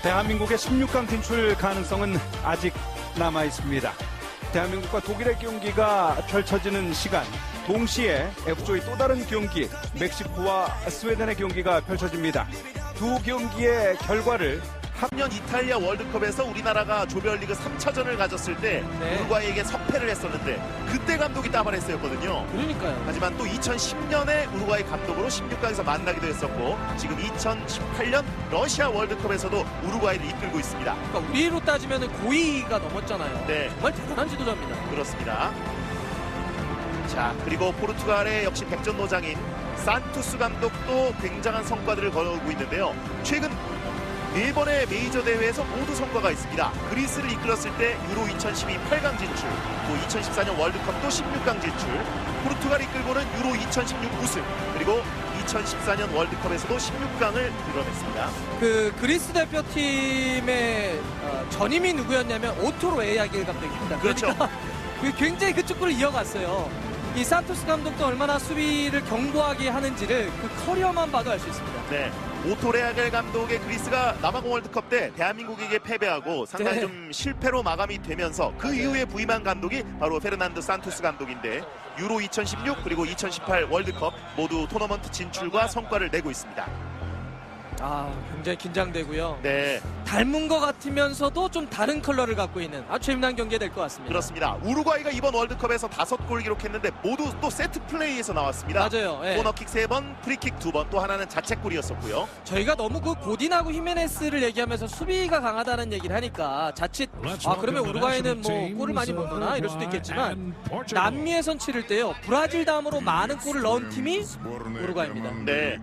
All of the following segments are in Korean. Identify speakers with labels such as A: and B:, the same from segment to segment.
A: 대한민국의 16강 진출 가능성은 아직 남아 있습니다. 대한민국과 독일의 경기가 펼쳐지는 시간, 동시에 F조의 또 다른 경기, 멕시코와 스웨덴의 경기가 펼쳐집니다. 두 경기의 결과를
B: 학년 이탈리아 월드컵에서 우리나라가 조별리그 3차전을 가졌을 때 우루과이에게 석패를 했었는데 그때 감독이 따바레스였거든요.
C: 그러니까요.
B: 하지만 또 2010년에 우루과이 감독으로 16강에서 만나기도 했었고 지금 2018년 러시아 월드컵에서도 우루과이를 이끌고 있습니다.
C: 그러니까 우리로 따지면 고의가 넘었잖아요.
B: 네.
C: 정말 대단한 지도자입니다.
B: 그렇습니다. 자, 그리고 포르투갈의 역시 백전노장인 산투스 감독도 굉장한 성과들을 거두고 있는데요. 최근 4번의 메이저 대회에서 모두 성과가 있습니다. 그리스를 이끌었을 때 유로 2012 8강 진출, 또 2014년 월드컵도 16강 진출, 포르투갈 이끌고는 유로 2016 우승, 그리고 2014년 월드컵에서도 16강을 이뤄냈습니다.
C: 그 그리스 대표팀의 전임이 누구였냐면 오토로 에야길 감독입니다.
B: 그렇죠.
C: 그러니까 굉장히 그 축구를 이어갔어요. 이 산토스 감독도 얼마나 수비를 견고하게 하는지를 그 커리어만 봐도 알 수 있습니다.
B: 네, 오토레아겔 감독의 그리스가 남아공 월드컵 때 대한민국에게 패배하고 상당히
C: 네.
B: 좀 실패로 마감이 되면서 그 이후에 부임한 감독이 바로 페르난드 산투스 감독인데 유로 2016 그리고 2018 월드컵 모두 토너먼트 진출과 성과를 내고 있습니다.
C: 아, 굉장히 긴장되고요.
B: 네,
C: 닮은 것 같으면서도 좀 다른 컬러를 갖고 있는 아주 재미난 경기가 될 것 같습니다.
B: 그렇습니다. 우루과이가 이번 월드컵에서 5골 기록했는데 모두 또 세트 플레이에서 나왔습니다.
C: 맞아요. 예.
B: 코너킥 3번, 프리킥 2번, 또 하나는 자책골이었었고요.
C: 저희가 너무 그 고딘하고 히메네스를 얘기하면서 수비가 강하다는 얘기를 하니까 자칫 그러면 우루과이는 뭐 골을 많이 못 넣나 이럴 수도 있겠지만 남미에선 치를 때요 브라질 다음으로 많은 골을 넣은 팀이 우루과이입니다.
B: 네,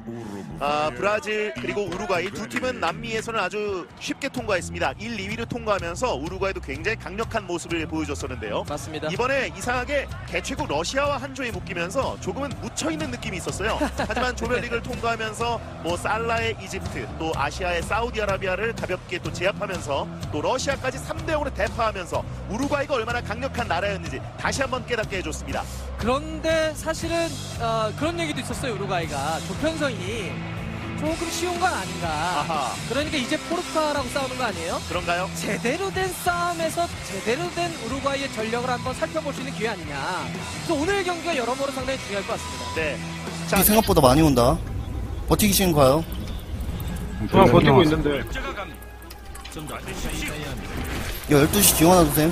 B: 브라질 그리고 우루과이 두 팀은 남미에서는 아주 쉽게 통과했습니다. 1, 2위를 통과하면서 우루과이도 굉장히 강력한 모습을 보여줬었는데요.
C: 맞습니다.
B: 이번에 이상하게 개최국 러시아와 한 조에 묶이면서 조금은 묻혀있는 느낌이 있었어요. 하지만 조별리그를 통과하면서 뭐 살라의 이집트, 또 아시아의 사우디아라비아를 가볍게 또 제압하면서 또 러시아까지 3대0으로 대파하면서 우루과이가 얼마나 강력한 나라였는지 다시 한번 깨닫게 해줬습니다.
C: 그런데 사실은 그런 얘기도 있었어요. 우루과이가 조편성이 조금 쉬운 건 아닌가.
B: 아하.
C: 그러니까 이제 포르투갈하고 싸우는 거 아니에요?
B: 그런가요?
C: 제대로 된 싸움에서 제대로 된 우루과이의 전력을 한번 살펴볼 수 있는 기회 아니냐. 그래서 오늘 경기가 여러모로 상당히 중요할 것 같습니다.
B: 네.
D: 자, 생각보다 많이 온다. 버티기 쉬운 거요.
E: 그만 버티고 있는데.
D: 야, 12시 지원 하나 주세요.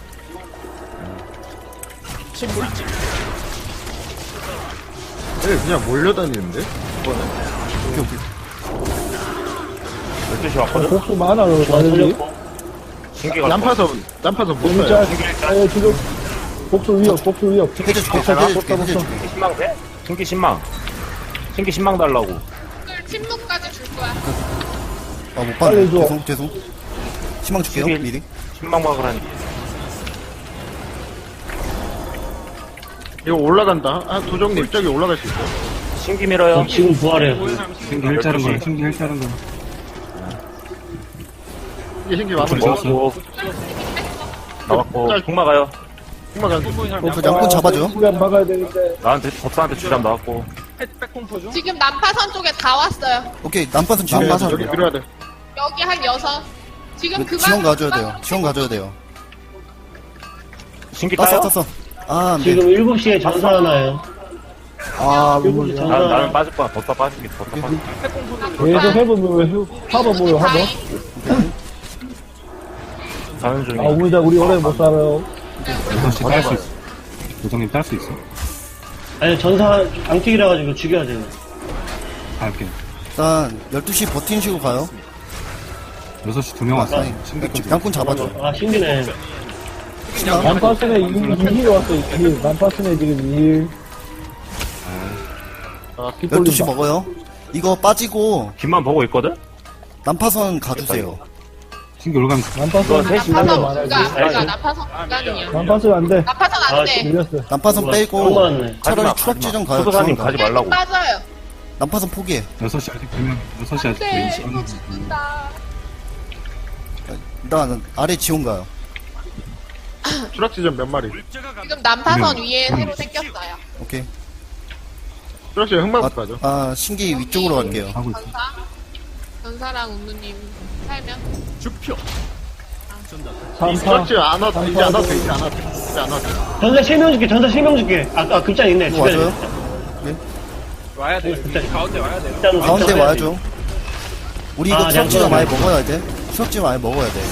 E: 그냥 몰려다니는데?
D: 오케이, 오케이.
E: 12시 왔거든?
F: 복수 많아, 완전히.
E: 난파선 못
F: 진짜,
E: 써요.
F: 지금, 복수 위협.
D: 해줘줄게, 해줘줄게, 해줘줄게.
G: 신망 돼? 신기 신망. 신기 신망 달라고.
H: 침묵까지 줄 거야.
D: 아, 못
F: 빨리
D: 봤네.
F: 줘.
D: 죄송. 희망 줄게요,
G: 신기-
D: 미리.
G: 신망 막으라니.
E: 이거 올라간다. 도정님, 저기 올라갈 수 있어.
G: 신기 밀어요.
F: 지금 부활해요.
I: 신기 헬자른 거, 신기 헬자른 거.
E: 이게 신기 마무리.
G: 먹었고. 나왔고.
E: 짤.
G: 국 막아요.
E: 흑마 간
D: 그 양꾼 잡아줘.
F: 시간 막아야 되는데.
G: 나한테 법사한테 주장 나왔고.
H: 지금 난파선 쪽에 다 왔어요.
D: 오케이, 남파선 지원 가서.
E: 여기 밀어야 돼.
H: 여기 한 6. 지금 그만.
D: 지원 가져야 돼요. 지원 가져야 돼요.
G: 신기 따요?
D: 땄어. 아, 안 돼.
F: 지금 7시에 전사하나요?
D: 아,
F: 7시 전사.
G: 나는 빠질 거야. 법사 빠질게. 법사 빠질게.
F: 계속 해보면 왜 하버 뭐요, 하버?
G: 가는 중에.
F: 우리 오래 못 살아요.
I: 6시 딸 수 있어. 도정님 딸 수 있어.
F: 아니, 전사 앙튀기라 가지고 죽여야 돼요.
I: 갈게.
D: 일단, 12시 버티는 식으로 가요.
I: 6시 2명 왔어.
D: 아니,
I: 신기까지.
D: 양꾼 잡아줘.
F: 아, 신기네. 난파슨에 2일 왔어, 2일. 난파슨에 지금 2일.
D: 12시 먹어요. 이거 빠지고,
G: 김만 보고 있거든?
D: 남파선 가주세요.
I: 신기 올가면
F: 난파슨
H: 난파선
F: 말아야지.
H: 불가. 난파선 불가능이야.
F: 난파슨 안 돼.
H: 난파선 안 돼.
F: 밀렸어.
D: 남파선
F: 너무
D: 빼고,
F: 많네.
D: 차라리
G: 가지마.
D: 추락지점 가요.
G: 수도사님
D: 지원
G: 가지
D: 가.
G: 말라고.
H: 빠져요.
D: 남파선 포기해.
I: 6시 아직 2명, 6시 아직
H: 네,
I: 2명.
H: 이거 죽는다.
D: 일단, 아래 지원 가요.
E: 추락지점 몇 마리?
H: 지금 난파선 위에 새로 생겼어요.
D: 오케이.
E: 추락지점 흑마부터 가죠.
D: 신기 위쪽으로 갈게요.
I: 하고 있어.
H: 전사. 전사랑 운누님 살면.
F: 삼파.
E: 그렇지, 안 와도, 이제 안 와도 돼, 이제 안 와도 돼. 이제 안 와도 돼.
F: 전사 실명 줄게, 전사 실명 줄게. 아까 급장 있네,
D: 이거
F: 주변에.
D: 와줘요?
C: 와야 돼. 가운데 와야 돼.
F: 일단은
D: 가운데
F: 급장
D: 와야죠. 우리 이거
F: 아,
D: 추적지가
F: 양쪽.
D: 많이 먹어야 돼. 추적지 많이 먹어야 돼.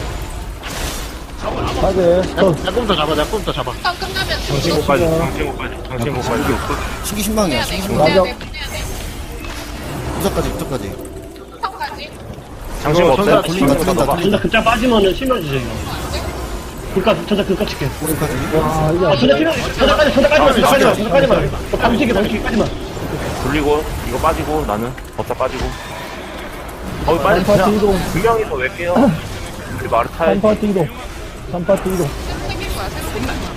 E: 약품부터 잡아, 약품부터 잡아.
H: 턴 끝나면
G: 정신고까지, 정신고까지.
D: 신기 신망이야,
H: 해야 돼.
D: 신기
H: 해야
D: 신망.
H: 돼. 해야 돼.
D: 무적까지, 무적까지.
H: 턴까지.
G: 장신 없어요?
D: 돌린다, 돌린다,
F: 전사
D: 돌린다.
F: 급장 빠지면은 실명 주세요. 전사 급각 칠게.
D: 무적까지.
F: 전사 필요, 전사까지만. 방식까지만.
G: 돌리고, 이거 빠지고, 나는 법사 빠지고. 거기 빠지, 그냥 두 명이서 왜 깨요? 우리 말을 타야지.
F: 삼파티 이동.
H: 새로 생길 거야. 새로 생길 거야.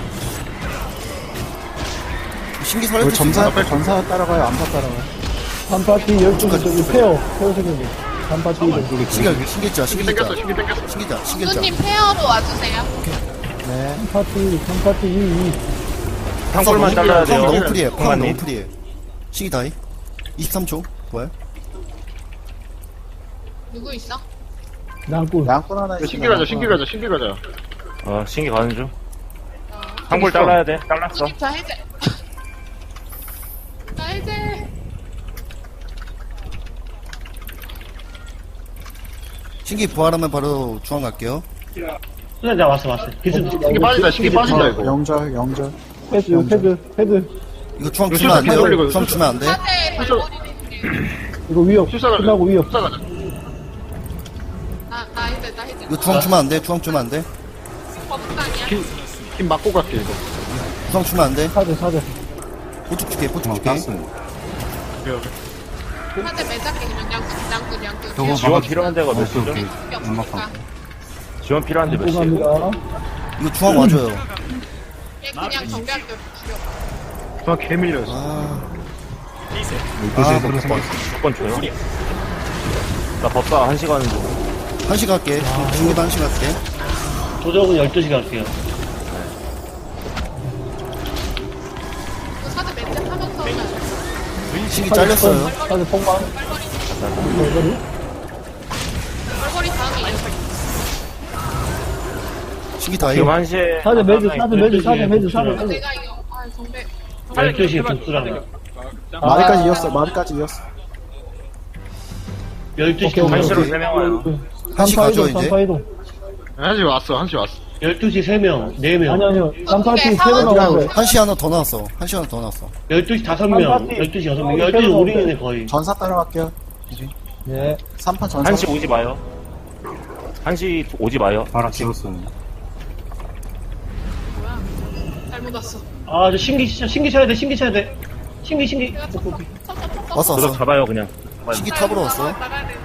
D: 신기 살려줄 수 있어.
F: 전사 따라가요, 암사 따라가요. 삼파티 12시 저기 페어 생겼네. 삼파티 이동.
D: 신기자, 신기자.
E: 땡겼어, 신기 땡겼어.
D: 신기자, 신기자.
H: 운누님 페어로 와주세요.
F: 삼파티 2.
G: 탕골만 잘라야 돼요.
D: 너무 프리해, 팡 너무
G: 탕골만님.
D: 프리해. 신기 다이. 23초. 뭐야?
H: 누구 있어?
F: 양꾼.
E: 신기 가자, 신기 가자, 신기 가자.
G: 신기 가는 중. 탕골 잘라야 돼. 잘랐어.
H: 운누님 저 해제. 나 해제.
D: 신기 부활하면 바로 중앙 갈게요.
F: 나 왔어.
E: 신기 빠진다, 신기 빠진다, 이거.
F: 헤드.
D: 이거 중앙 주면 안 돼요. 중앙 주면 안 돼.
H: 사제 발머리.
F: 이거 위협.
E: 출사 가자.
F: 끝나고 위협.
E: 출사 가자.
H: 나 해제. 나 해제.
D: 이거 중앙 주면 안 돼. 중앙 주면 안 돼.
H: 법당이야.
E: 힘 맞고 갈게, 이거.
D: 중앙 주면 안 돼.
F: 사제.
D: 보축 줄게, 보축
I: 어,
D: 줄게.
I: 땄어요.
H: 사제 매잡게 그냥 양꾼.
I: 저거
G: 지원 필요한 데가 몇
I: 오케이,
G: 시죠?
I: 오케이.
H: 없으니까.
G: 지원 필요한 데 몇 시에요?
F: 감사합니다.
D: 이거 중앙 와줘요.
H: 얘 그냥 정비할게 죽여.
E: 저 개밀렸어.
D: 아,
I: 12시에 들어서
G: 무조건 줘요. 나 법사 1시간 중.
D: 1시 갈게. 중기도 1시 갈게.
F: 도적은 12시 갈게요.
H: 그 사제 매잡하면서
D: 신기 잘렸어요.
F: 사제 폭망.
H: 얼굴이 다음에 이제
D: 신기 다이.
G: 지금 1시에.
F: 사제 매주.
H: 내가 이거 정배
F: 12시에 복수랑.
D: 말까지 이었어.
F: 12시
G: 1시로 3명 와요.
D: 1시 가죠, 이제.
E: 한시 왔어, 한시 왔어.
F: 12시 3명, 4명. 아니요.
H: 삼파티 3명
F: 나왔어요.
D: 1시 하나 더 나왔어. 1시 하나 더 나왔어.
F: 12시 5명, 12시 6명. 12시 우리네 거의.
D: 전사 따라갈게요.
F: 네.
D: 3판 전사.
G: 1시 오지 마요. 1시 오지 마요.
I: 바라 찍었어요.
H: 뭐야? 잘못 왔어.
F: 아, 저 신기 쳐야 돼. 신기.
H: 내가 쳤어.
D: 왔어,
G: 도적
D: 왔어.
G: 잡아요, 그냥.
D: 신기 탑으로 왔어.
H: 나가야 되는데.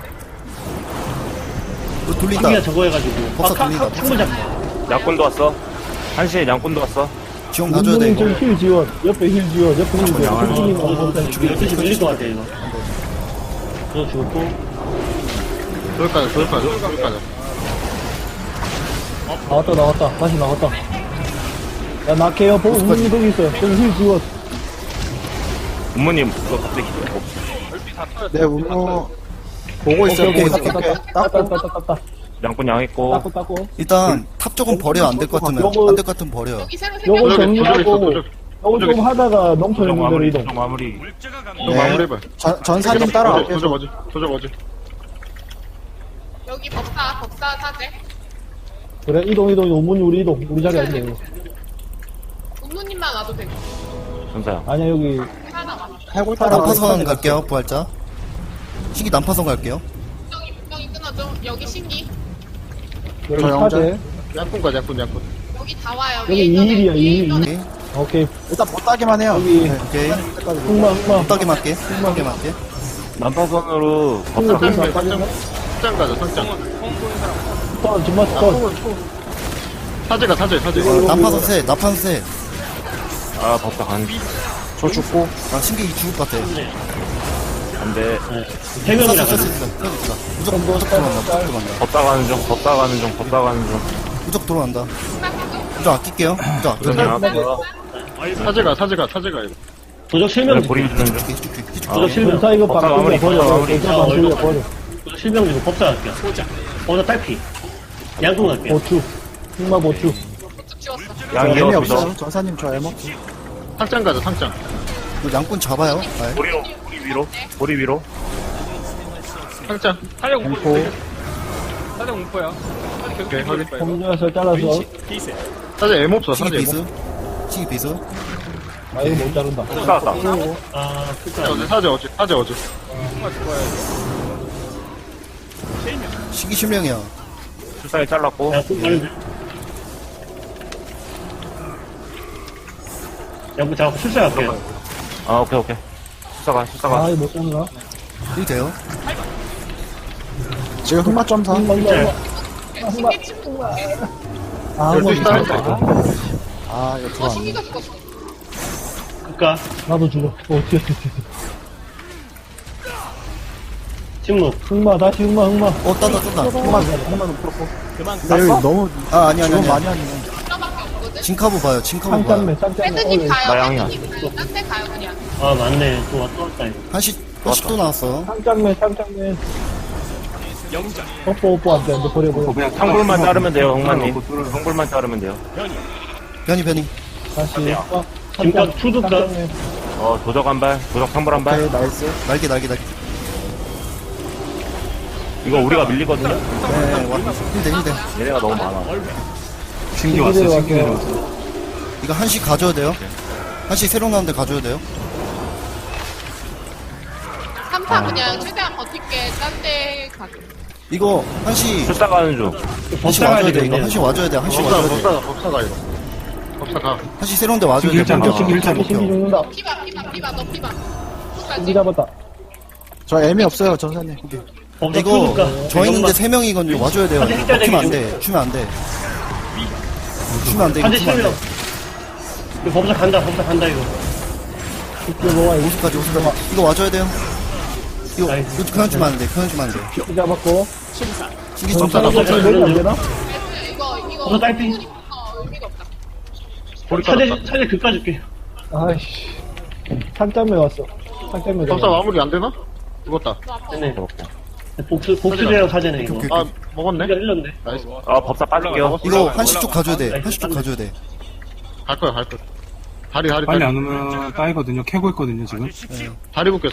D: 이거 돌린다.
F: 신기가 저거 해가지고.
D: 법사 돌린다.
F: 창문 잡고.
G: 양꾼도 왔어. 1시에 양꾼도 왔어.
D: 지원 가줘야 돼, 이거.
F: 힐 지원. 옆에 힐 지원. 12시 밀릴 것 같아, 이거. 그거 죽었고.
E: 저기까지.
F: 나왔다. 다시 나왔다. 야, 낙해요. 보고 운동이 거기 있어요. 저기 힐 지원.
G: 부모님, 그거 갑자기 기다려.
D: 네, 운모. 보고 있어요, 보고 있어.
F: 땄다.
G: 양꾼 양했고.
F: 땄고.
D: 일단, 탑 쪽은 버려. 안 될 것 같으면. 안 될 것 같으면 버려.
H: 여기 새로
F: 요거
H: 생겼어.
F: 정리하고. 요거 좀 하다가 농촌
G: 도적
F: 있는
G: 마무리,
F: 이동.
G: 도적 마무리.
E: 마무리해봐.
D: 전사님 따라갈게요.
E: 도적 어지.
H: 여기 법사 사제.
F: 그래, 이동. 오문이 우리 이동. 우리 자리 아니네, 이거.
H: 운누님만 와도 되고.
G: 전사야.
F: 아니야, 여기.
H: 하나 와.
D: 난파선 갈게요, 부활자. 신기 난파선 갈게요.
H: 분명히 끊어줘. 여기 신기.
F: 여기 사제.
E: 약분 가자, 약분.
H: 여기 다 와요.
F: 여기 2일이야, 2일.
D: 오케이.
F: 오케이.
D: 일단 못 따기만 해요.
F: 여기.
D: 오케이.
F: 흑마.
D: 못 따기 맞게. 흑마게 맞게.
G: 난파선으로
F: 흑마 빠지나?
E: 상장 가자, 상장.
F: 정말
E: 사제.
D: 난파선 세, 나판 세.
G: 법사 간.
D: 저 죽고. 아, 신기 죽을 것 같아.
G: 안 돼.
F: 3명이라 가지고.
D: 무조건 들어간다.
G: 법사 가는 중.
D: 무조건 들어간다. 무조건 아낄게요. 무조건 아껴.
G: 그냥
E: 사제가 이거.
F: 도적 실명.
G: 보리 주는 중.
D: 해줄게.
F: 도적 실명. 사 이거
G: 법사
F: 바꿔
G: 마무리,
F: 버려.
G: 법사 마무리.
F: 버려. 실명 주고 법사 갈게요. 법사 딸피. 양궁 갈게요. 보추. 흑마 보추.
H: 쭉 지웠어.
G: 양이 없어.
I: 전사님 저 에모.
E: 상장 가자, 상장.
D: 이거 양꾼 잡아요. 아,
G: 보리 위로.
E: 상장.
I: 사냥 공포. 사냥 공포야. 오케이, 확인. 공중에서 잘라서.
E: 사자 에모 없어,
D: 시기
E: 사자 에모.
D: 비스. 시기 비스.
I: 아, 이거 못 자른다.
G: 싸웠다.
F: 아,
E: 사자 어제.
D: 시기 실명이야.
G: 출사에 잘랐고.
F: 양궁 가는데. 양궁 잡고 출사 갈게요.
G: 아, 오케이. 출사가.
I: 아, 이거 못 자른다.
D: 일 돼요.
I: 지금 흑마 점사.
F: 진짜.
H: 신기 친구.
I: 아,
E: 열두 시
I: 흑마
E: 따라.
I: 아, 이거 들어왔네.
H: 신기가 죽었어.
F: 그니까,
I: 나도 죽어. 어떻게.
F: 침묵.
I: 흑마, 다시 흑마.
D: 떴다.
I: 흑마는 풀었고. 나 여기 너무
D: 아, 아니.
I: 많이 하네.
H: 하나밖에 없거든.
D: 진카보 봐요. 진카보 봐요.
I: 쌍짠매, 쌍짠매.
H: 헤드님 가요.
G: 나양이야.
H: 헤드님 가요. 딴데 가요 그냥.
F: 아, 맞네. 또 왔다 갔다 해.
D: 한시 또 나왔어.
I: 쌍짠매. 뽀뽀 안 돼. 근데 버려.
G: 그냥 상불만 자르면 돼요, 형만님. 상불만 자르면 돼요.
D: 변이.
I: 다시.
F: 지금까지 투두가
G: 도적 한 발, 도적 상불 한 발.
I: 나이스.
D: 날개.
G: 이거 우리가 밀리거든요.
D: 네, 와. 힘내.
G: 얘네가 너무 많아.
I: 신기 왔어, 신기 내려왔어.
D: 이거 한시 가져야 돼요. 한시 새로 나오는데 가져야 돼요.
H: 3타 그냥 최대한 버틸게. 딴데 가죠.
D: 이거 한시
G: 출사 가는 중.
D: 한시
F: 법사 가야
D: 와줘야 돼. 이거
F: 되겠네.
D: 한시 와줘야 돼. 한시 와줘야 돼.
E: 법사가 이거. 법사가.
D: 한시 새로운데 와줘야 돼.
I: 신기 죽는다.
H: 피바 너 피바.
I: 신기
H: 끝까지.
I: 잡았다.
J: 저 애미 없어요, 전사님.
F: 법사
D: 이거
F: 투두가.
D: 저 있는데 3명이거든요. 와줘야 돼요. 이거 먹히면 안 돼. 주면 안 돼. 주면 안 돼. 이거
F: 한대
D: 주면 안
F: 실명.
D: 돼.
F: 이거 법사 간다, 이거.
I: 이거 뭐야, 이거.
D: 50까지. 이거 와줘야 돼요. 이거
F: 나이스.
D: 그냥 주면 안 돼. 그냥 주면 안 돼.
I: 신기 잡았고.
D: 시기
I: 전사가
D: 좀
F: 법사
I: 내리 안 되나?
H: 이거
F: 법사 딸피.
H: 의미가 없다.
F: 차례 그까 줄게.
I: 아이씨. 쌍짠매 왔어. 쌍짠매.
E: 법사 마무리 안 되나? 죽었다.
F: 네네. 복수대랑 사제네, 이거.
E: 아, 먹었네?
F: 우리가 일렀네.
E: 나이스.
G: 법사 빠질게요.
D: 이거 한시 쪽 가줘야 돼. 한시 쪽 가줘야 돼.
E: 갈 거야. 다리.
J: 빨리 안 오면 따이거든요. 캐고 있거든요, 지금.
E: 다리 묶였어.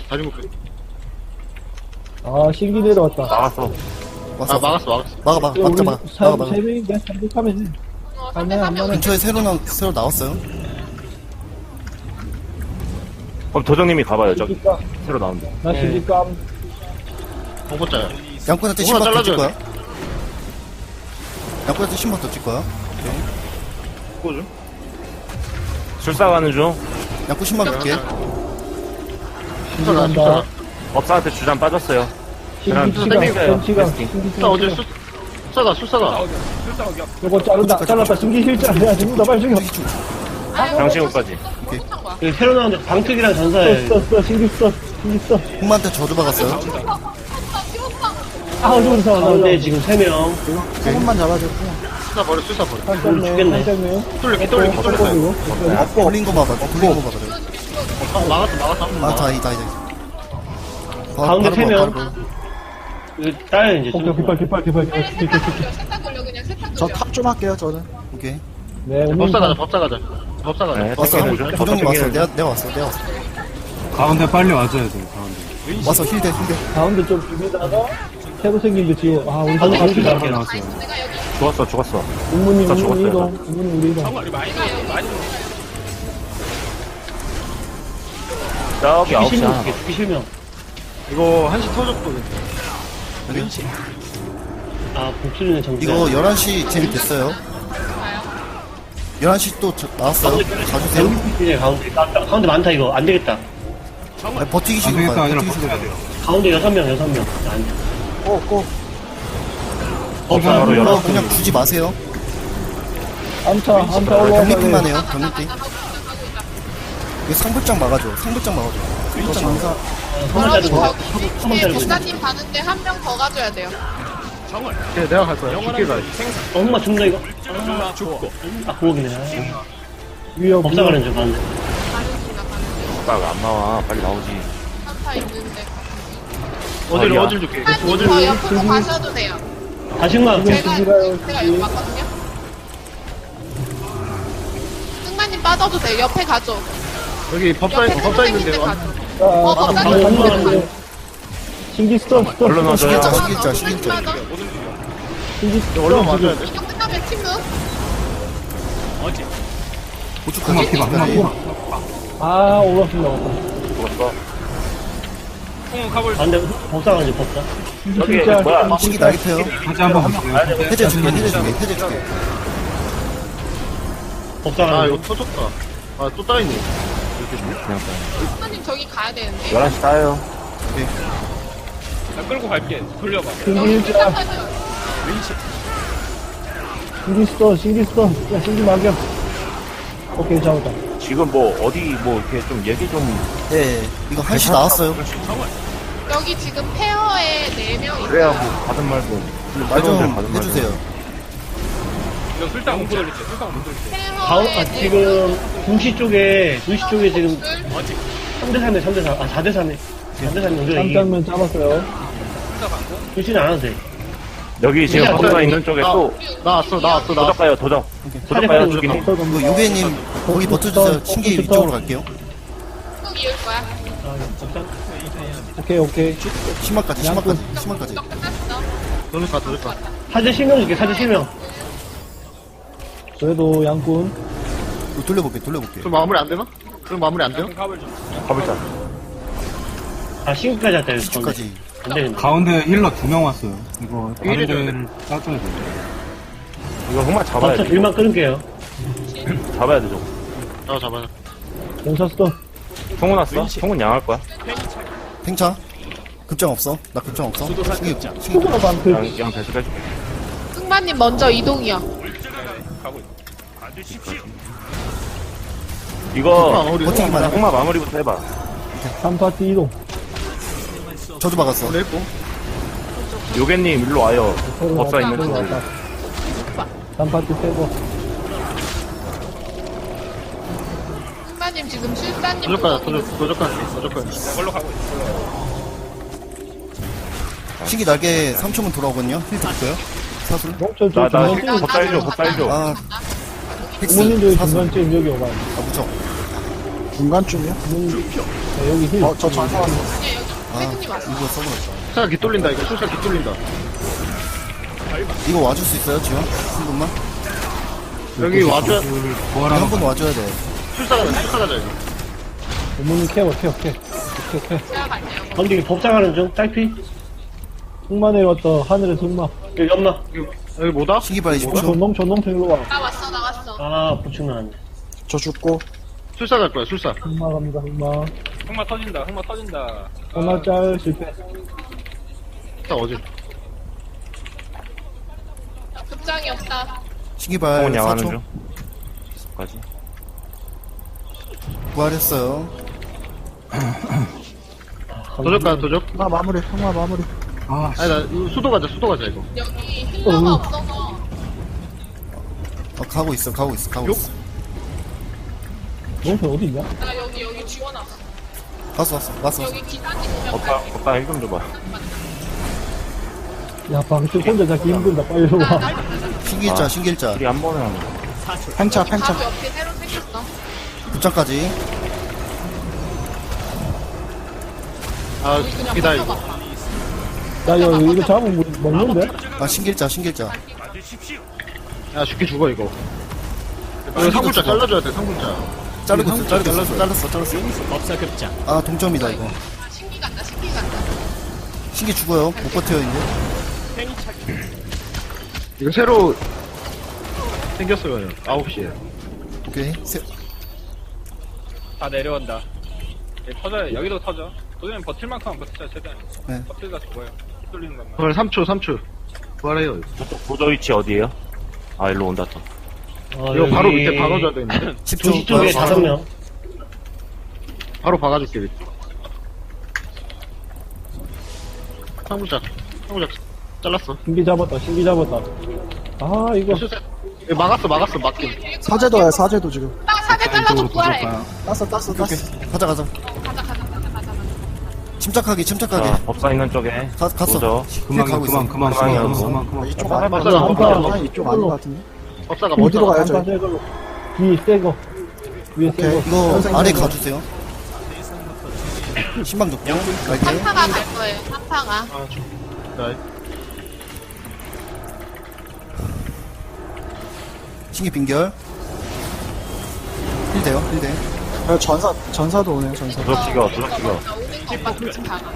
I: 아, 신기 내려왔다.
G: 나갔어.
D: 왔어.
E: 아, 막았어.
D: 막아.
I: 세 명인데? 삼백하면 돼.
H: 상대 3명.
D: 근처에 새로 나왔어요.
G: 그럼 도적님이 가봐요, 저기.
I: 신기감.
G: 새로 나온다.
I: 나 신기감.
E: 공포자야.
D: 양꾼한테
E: 뭐가
D: 10만 더 줄
E: 잘라줘야
D: 거야? 양꾼한테 10만 더 줄 거야?
E: 꼬죠?
G: 출사 가는 중.
D: 양꾼 10만 줄게.
I: 신기간다.
G: 법사한테 주장 빠졌어요. 그냥
I: 신기시간.
G: 땡겨요.
I: 신기시간.
E: 나 어제 숫사가.
I: 요거 잘랐다. 신기 실장. 야, 죽는다. 빨리 죽여.
G: 장신호까지.
F: 그 새로 나온 방특이랑 전사에.
I: 신기 써.
D: 흑마한테 저주 박았어요.
I: 아, 어디 서
F: 가운데 지금 3명.
J: 조금만 잡아줘.
E: 숫사 버려.
F: 죽겠네.
E: 뚫려.
D: 굴린 거 봐봐.
E: 막았어.
D: 아, 다이다.
F: 가운데 3명. 그 딸 이제 좀.
I: 깃발.
H: 세탁 걸려 그냥 세탁
J: 저
H: 걸려.
J: 탑 좀 할게요, 저는.
D: 오케이.
I: 네,
E: 법사 가자.
G: 네,
D: 왔어.
G: 땡기는 중.
D: 도정님 왔어.
G: 땡기는
D: 내가 왔어.
J: 가운데 빨리 와줘야 돼, 가운데.
D: 와서 힐대.
I: 가운데 좀 비비다가 새로 생긴 게 지금 우리
F: 가운데
I: 가운데
F: 가운데
I: 가운데
F: 나왔어.
H: 내가 여기
G: 죽었어.
I: 운문님
G: 다 죽었어요,
I: 이동 운문님 우리 이동
G: 저기
F: 죽기 실명
G: 9시야.
F: 줄게, 죽기 실명.
E: 이거 한시 터졌거든.
F: 아, 복수리는 정지.
D: 이거 11시 딜 됐어요. 11시 또 나왔어요. 가주세요.
F: 이제 가운데 많다, 이거. 안 되겠다.
D: 아니, 버티기
J: 안
D: 식으로
J: 되겠다,
D: 가요.
J: 아니라
D: 버티기 식으로 가요.
F: 가운데 6명. 안 돼.
G: 법사 바로
D: 이거
G: 열어.
D: 그냥 주지 마세요.
I: 암차 올라와
D: 병리팅만 해요. 병리팅. 이거 상불장 막아줘.
F: 한번
H: 저기
F: 한번
H: 뒤에
F: 자르고.
H: 법사님 가는데 한 명 더 가줘야 돼요.
E: 그래, 내가 갈 거야. 죽게 가야지.
F: 엄마 죽는다, 이거. 아, 고옥이네.
I: 위협
F: 법사 가는 줄 봤는데.
H: 가는 중이다.
G: 법사가 안 나와. 빨리 나오지.
H: 3타 있는데 가는
E: 어질,
G: 어디야?
E: 어질 줄게.
H: 승마님
E: 어질.
H: 저 옆으로 가셔도 돼요.
F: 다시만
H: 제가 이거 맞거든요. 승마님 빠져도 돼요. 옆에 가죠.
E: 여기 법사,
H: 옆에
E: 법사
H: 선생님들
E: 있는데요.
H: 가죠. 법사님
F: 신기 스톱 스톱
G: 얼른 와줘요.
D: 신길자,
H: 맞아.
D: 신길자, 신길자.
H: 맞아.
F: 신기
E: 얼른
F: 스톱
E: 맞아야 돼.
H: 이거 끝나면 침묵.
D: 고춧가루
J: 피가
F: 아 오버스 나왔다
G: 죽었어.
F: 안돼 법사가지 법사
G: 여기 뭐야?
D: 신기 나이트요.
J: 다시 한번 볼게요.
D: 해제 줄게, 해제 줄게, 해제 줄게.
E: 아, 이거 터졌다. 아, 또 따있네.
H: 승마님 저기 가야 되는데.
G: 11시 따요.
I: 나 끌고 갈게. 돌려봐.
F: 신기
H: 여기
F: 일자
H: 시작하죠.
F: 신기 스톱 신기 스톱 야 신기 막여 오케이 잡았다
G: 지금 뭐 어디 뭐 이렇게 좀 얘기 좀
D: 예, 이거 한시 나왔어요.
H: 여기 지금 페어에 4명
G: 그래야
H: 있어요.
G: 뭐 받은 말도
D: 말 좀
G: 받은 말도.
D: 해주세요.
I: 이거 술당 못 돌릴게. 술당 못 돌릴게.
H: 페어에
F: 지금 2시 쪽에 2시 쪽에 지금
H: 둘.
F: 3대3에 3대4 아 4대3에 4대3 우리가 이기 깜짝면 잡았어요 2시는 안 와도 돼
G: 여기 지금
F: 그냥
G: 법사
F: 거기-
G: 있는 쪽에 또
E: 나왔어.
G: 도적 가요. 도적. 도적 가요. 죽이니.
D: 이거 요괴님 거기 버텨주세요. 신기 이쪽으로 갈게요.
H: 쭉 이을 거야.
F: 오케이
D: 심화까지, 심화까지.
H: 너 끝났어.
E: 도적가, 도적가.
F: 사제 실명 줄게 사제 실명 그래도 양꾼
D: 이거 돌려볼게.
E: 좀 마무리 안 되나? 좀 마무리 안 돼요?
I: 갑을 좀.
G: 가볼자.
F: 아 신기까지 할때
D: 신기까지.
F: 안되겠네
J: 가운데 힐러 2명 왔어요. 이거 다른 데를 따줘야 돼요.
G: 이거 흑마 잡아야
F: 법사
G: 돼.
F: 딜만 끊을게요
G: 잡아야 돼, 저거.
E: 잡아.
F: 용사 스톱
G: 총은 왔어? 총은 양할 거야.
D: 팽차. 급장 없어. 나 급장 없어. 신기.
F: 수고가 많고
G: 양 배수가 해줄게.
H: 승마님 먼저 이동이요.
G: 이거
D: 버티기만 해.
G: 흑마 마무리부터 해봐.
F: 3파티 이동
D: 저도 박았어.
E: 냈고.
G: 요괴님 일로 와요. 법사 있는
F: 서로
G: 쪽으로.
F: 왔다 3파티 빼고
H: 승마님 지금 실사님
E: 도적가,
H: 보고
E: 도적가.
I: 걸로 가고 있어.
D: 신기 날개 3초면 돌아오거든요. 힐 드릴까요? 사술.
F: 몽철
G: 나
F: 중간쯤
G: 법사 해줘. 법사 해줘.
D: 아,
F: 부모님들
D: 헥스. 사술.
F: 중간쯤 여기 오가요
D: 아, 무적.
F: 중간쯤이요? 여기 힐
D: 저 전사 왔어. 아,
H: 태근님 왔어.
D: 이거 써버렸다.
E: 술사 깃돌린다, 이거. 술사 깃돌린다.
D: 이거 와줄 수 있어요, 지금? 한 분만?
E: 여기 와줘야,
D: 한 분 와줘야 돼.
E: 술사 가자, 이거.
F: 부모님 케어
H: 제가 갈게요.
F: 던지기 법장하는 중 딸피 흑마에 왔다 하늘의 승마 여기 없나?
E: 여기 뭐다?
D: 신기 빨리 10초.
F: 전동 일로 와
H: 나 왔어 나왔어.
F: 아 보충 나왔네
E: 술사 갈 거야, 술사.
F: 흑마 갑니다 흑마
I: 흑마 터진다. 흑마 터진다.
F: 흑마 짤 실패
E: 술사 어질.
H: 급장이 없다.
D: 신기발
G: 총은 양하는
D: 4초.
G: 중. 까지.
D: 부활했어요.
E: 도적가, 도적.
J: 아,
E: 아니, 나, 이거 수도 가자, 이거.
H: 여기 힐러가 없어서
D: 가고 있어.
F: 농촌 어디 있냐?
H: 나 여기 지원왔어.
D: 왔어.
H: 여기 기사님 오면
G: 법사 힐 좀 줘봐.
F: 야 방금 혼자 잡기 힘들다 빨리 일로 와
D: 신기일자.
G: 우리 한 번에 하는 거.
D: 팽차.
H: 바로 옆에 새로 생겼어.
D: 급장까지.
E: 아,
H: 우리 그냥
E: 이다, 이거.
H: 버텨봐.
F: 나 이거 잡으면 먹는데?
D: 아, 신기일자.
E: 야, 죽기 죽어, 이거. 이거 상굴자 잘라줘야 돼, 상굴자.
D: 잘랐어. 아, 동점이다, 이거.
H: 신기 간다.
D: 신기 죽어요. 못 버텨요, 이제.
E: 이거 새로 생겼어요, 9시에.
D: 오케이.
I: 다 내려온다. 얘 터져요. 여기도 터져. 도전면 버틸 만큼만 버티자 최대한.
D: 네.
I: 버틸다 죽어요. 휘둘리는 것만.
E: 부활 3초. 부활해요.
G: 도저 위치 어디에요? 아, 일로 온다 또.
E: 이거 바로 밑에 박아줘야 되는데.
F: 2시 쪽에 5명
E: 바로 박아줄게, 밑에. 상굴자 잘랐어.
F: 신기 잡았다 아 이거
E: 이거 막았어, 막긴.
H: 사제도야 사제도 지금. 나 사제 잘라줘 부활해.
D: 오케이. 가자.
H: 가자.
D: 침착하게, 침착하게.
G: 자, 법사 있는 쪽에.
D: 갔어.
G: 도저.
J: 그만,
D: 가고
J: 그만,
D: 있어.
J: 그만,
G: 그만이야,
J: 그만,
G: 그거.
J: 그만, 그만.
E: 이쪽 아니
F: 법사가
E: 법사가
F: 이쪽 아닌 것
E: 같은데. 법사가
F: 어디로 가요,
E: 저
F: 뒤 새거 위에 새거
D: 이거 아래 가주세요. 신방 줬고. 갈게.
H: 한파가 갈 거예요. 한파가.
D: 신기 빙결. 힐돼요, 힐돼.
E: 전사도 오네요, 전사.
G: 도적 죽여, 도적 죽여.
H: 오는 것만 같이 박아.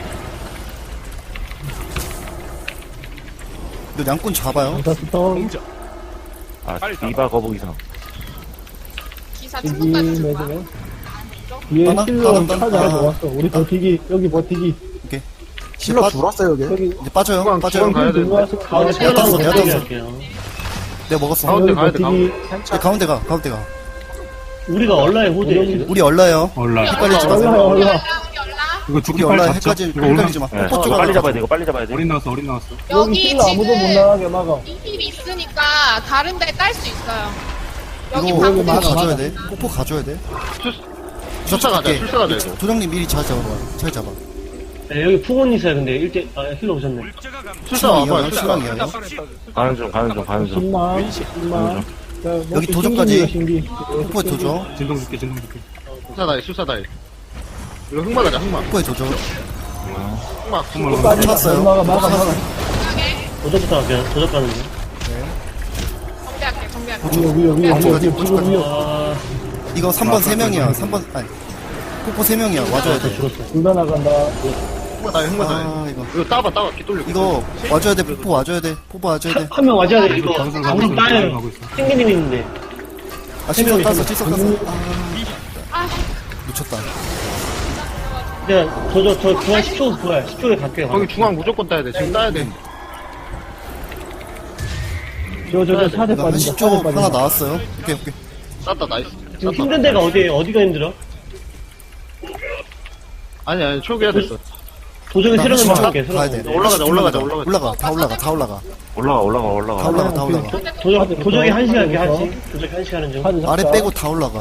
D: 이거 양꾼 잡아요.
F: 스턴
G: 아, 디바 거북 이상.
H: 기사
F: 뒤기
H: 충분까지 좀 봐.
F: 매주면 뒤에
D: 하나?
F: 힐러
D: 하나?
F: 찾아
D: 하나?
F: 모았어. 우리 버티기 여기 버티기
D: 오케이.
E: 실러 들어왔어요, 여기.
F: 여기
D: 이제 빠져요, 빠져요.
E: 가야 돼.
F: 들어와서 가운데
D: 내가 땄어, 내가 땄어.
F: 할게요.
D: 내가 먹었어.
E: 가운데
F: 여기
E: 가야 돼,
F: 버티기
D: 이제 가운데 가, 가운데 가.
F: 우리가 얼라의 호재예요 지금.
D: 우리 얼라요.
J: 올라.
D: 헷갈리지
F: 얼라
D: 마세요.
F: 얼라
H: 우리 열라.
J: 이거
D: 우리
J: 죽기 빨리
D: 얼라
J: 잡자.
D: 헷갈리지,
J: 이거 올라.
D: 헷갈리지 마.
G: 네,
D: 뽀뽀
G: 이거
D: 쪽으로
G: 빨리
D: 가자.
G: 잡아야 돼, 이거 빨리 잡아야 돼.
J: 어린 나왔어, 어린 나왔어.
F: 여기
H: 여기
F: 힐러 아무도 못
H: 지금
F: 나가게 막아.
H: 이 힐이 있으니까 다른 데 딸 수 있어요. 여기
D: 이거
H: 방금
D: 뽀뽀
F: 막아,
D: 가져야
F: 막아.
D: 돼. 뽀뽀 가져야 돼.
E: 출사 가자,
D: 갈게.
E: 출사 가자, 이거.
D: 도장님 미리 잘 잡아봐. 잘 잡아.
F: 네, 여기 풍원 있어요. 근데 힐러 오셨네.
E: 출사 와봐요, 출사.
D: 신랑이에요.
G: 가는 중, 가는 중, 가는 중.
F: 신나.
D: 여기 도전까지. 뽀뽀에 도저.
J: 진동 줄게, 진동 줄게.
E: 출사 다이. 이거 흑마 가자, 흑마.
D: 뽀뽀에 도저.
E: 흑마.
D: 쳤어요.
F: 막아. 도적부터 갈게요. 도적 가는 중.
H: 정비할게.
F: 위에
D: 도저까지,
F: 지금
D: 도저까지.
F: 위에.
D: 이거 3번 3명이야. 3번, 아니. 뽀뽀 3명이야. 와줘야 돼.
F: 죽었어. 둘다 나간다.
E: 흑마 다이, 흑마 다이.
D: 아, 이거.
E: 이거 따봐, 기돌려.
D: 이거 와줘야 돼. 뽀뽀 와줘야 돼. 뽀뽀 와줘야 돼.
F: 한 명 와줘야 돼. 이거
J: 전술 가고
F: 우리
J: 있어,
F: 딸
J: 가고 있어.
F: 생기님 있는데.
D: 아, 칠석 땄어, 칠석 땄어.
H: 아,
D: 놓쳤다.
F: 내가 저 중앙 10초 부활. 10초에 갈게요.
E: 거기 중앙 무조건 따야 돼. 지금 따야 돼.
F: 저 사대
D: 이거 한
F: 빠진다.
D: 10초 하나 나왔어요. 오케이, 오케이.
E: 땄다, 나이스.
F: 지금 힘든 데가 어디에요? 어디가 힘들어?
E: 아니, 초기화 됐어.
F: 도적이
D: 나
F: 새로운
D: 10초
F: 갈게.
D: 가야 돼.
E: 올라가자.
D: 다 올라가, 다 올라가. 다 올라가.
G: 올라가, 올라가.
D: 다 올라가, 다 올라가.
F: 도적이 1시간 이렇게 하지. 도적이 1시간은 좀.
D: 아래 빼고 다 올라가.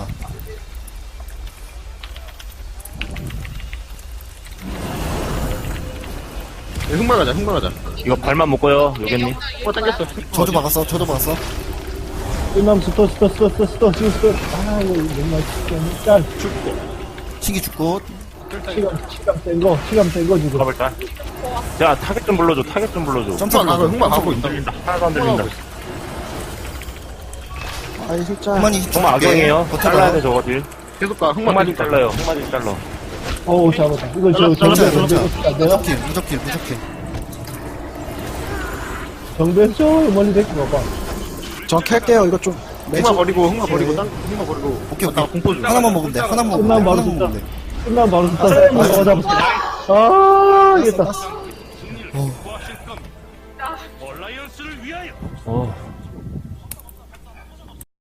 E: 흑마 가자, 흑마 가자.
G: 이거 발만 묶어요, 요겠니?
E: 흑마 당겼어.
D: 저도 박았어, 저도 박았어.
F: 끝나면 스톱. 지금 스톱. 아, 이거 정말 짤.
D: 신기 죽고.
F: 시간 센거 지금.
G: 가볼까? 야, 타겟 좀 불러줘, 타겟 좀 불러줘.
D: 점프
E: 흑마 가고 있다.
G: 하나도 안 들린다.
E: 아이, 실자.
D: 그만이
G: 정말 악용이에요. 잘라야 돼,
D: 버텨봐.
G: 저거 딜.
E: 계속 가, 흑마
G: 흑마딜
E: 계속 가.
G: 잘라요, 흑마딜 잘라.
F: 어우, 잡았다. 이거
D: 괜찮아,
F: 정배
D: 괜찮아.
F: 내가
D: 무적킬.
F: 정배 저 멀리 데리고 가봐.
E: 저 캘게요, 이거 좀. 흑마 버리고, 흑마 버리고.
D: 오케이,
E: 나
D: 오케이.
E: 공포 좀.
D: 하나만 먹으면 돼, 하나만 먹으면 돼.
F: 끝나면 바로
D: 하나만 먹으면 돼.
F: 끝나면 바로 스톱. 잡았어. 아, 이겼다.
G: 어.